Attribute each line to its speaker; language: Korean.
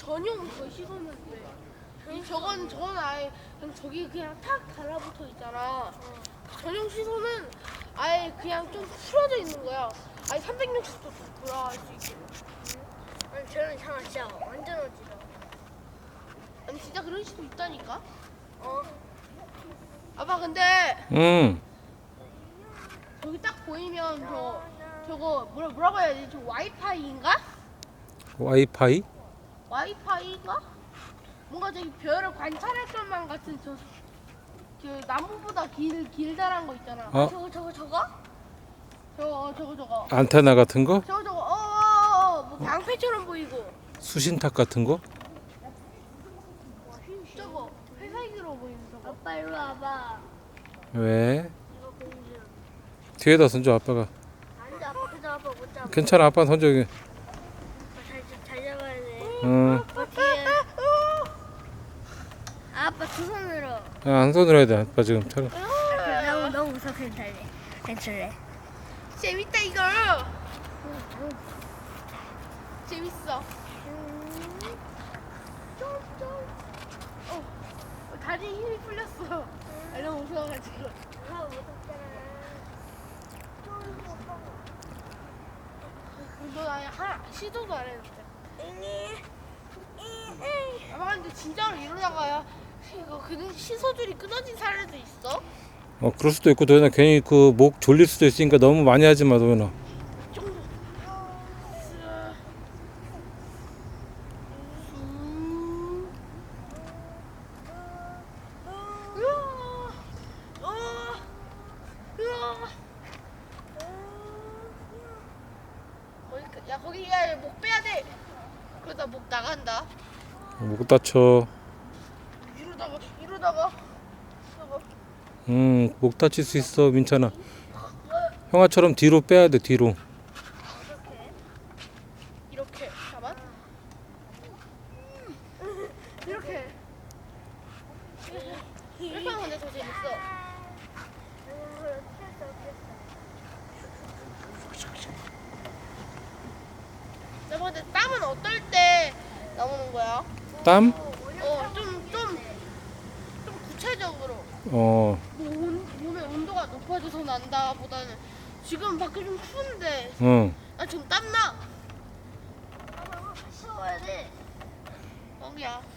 Speaker 1: 전용 그 시소는데 저건 아예 그냥 저기 그냥 탁 달라붙어 있잖아. 전용 시소는 아예 그냥 좀 풀어져 있는 거야. 아예 360도 돌아갈 수 있게.
Speaker 2: 아니 저는 차 진짜 완전 어지러워.
Speaker 1: 아니 진짜 그런 시도 있다니까.
Speaker 2: 어?
Speaker 1: 아빠 근데
Speaker 3: 응.
Speaker 1: 저기 딱 보이면 저거 뭐라고 해야 되지? 저 와이파이인가?
Speaker 3: 와이파이?
Speaker 1: 와이파이가? 뭔가 저기 별을 관찰할 것만 같은 그 나무보다 길다란 거 있잖아.
Speaker 3: 어?
Speaker 1: 저거.
Speaker 3: 안테나 같은 거?
Speaker 1: 저거 뭐 방패처럼 보이고.
Speaker 3: 수신탁 같은 거?
Speaker 1: 저거 회색으로 보이는 저거.
Speaker 2: 아빠 이리 와봐.
Speaker 3: 왜?
Speaker 2: 이거 공주.
Speaker 3: 뒤에다 손줘 아빠가.
Speaker 2: 안돼 아빠 그저 아빠 못 잡아.
Speaker 3: 괜찮아 아빠 손줘.
Speaker 2: 잘 잡아야 돼.
Speaker 3: 응.
Speaker 2: 아빠 뒤에. 아빠 두 손으로.
Speaker 3: 한 손으로 해야 돼 아빠 지금 촬영.
Speaker 2: 너무 무서워 괜찮래.
Speaker 1: 재밌다 이거. 재밌어. 다리에 힘이 풀렸어. 너무 무서워가지고. 너 아예 시도도 안 했는데. 아마 근데 진짜로 이러다가야 이거 그냥 시소줄이 끊어진 사례도 있어?
Speaker 3: 그럴 수도 있고 도현아 괜히 그 목 졸릴 수도 있으니까 너무 많이 하지 마 도현아.
Speaker 1: 야 거기 야 목 빼야 돼. 그러다 목 나간다.
Speaker 3: 목 다쳐.
Speaker 1: 이러다가
Speaker 3: 목 다칠 수 있어 민찬아. 형아처럼 뒤로 빼야 돼 뒤로.
Speaker 1: 이렇게 잠깐. 이렇게 하면 근데 더 재밌어. 여보 근데 땀은 어떨 때 나오는 거야?
Speaker 3: 땀?
Speaker 1: 좀 구체적으로.
Speaker 3: 어.
Speaker 1: 몸의 온도가 높아져서 난다 보다는 지금 밖에 좀 추운데
Speaker 3: 응.
Speaker 1: 나 지금 땀나.
Speaker 2: 쉬어야 돼.
Speaker 1: 거기야.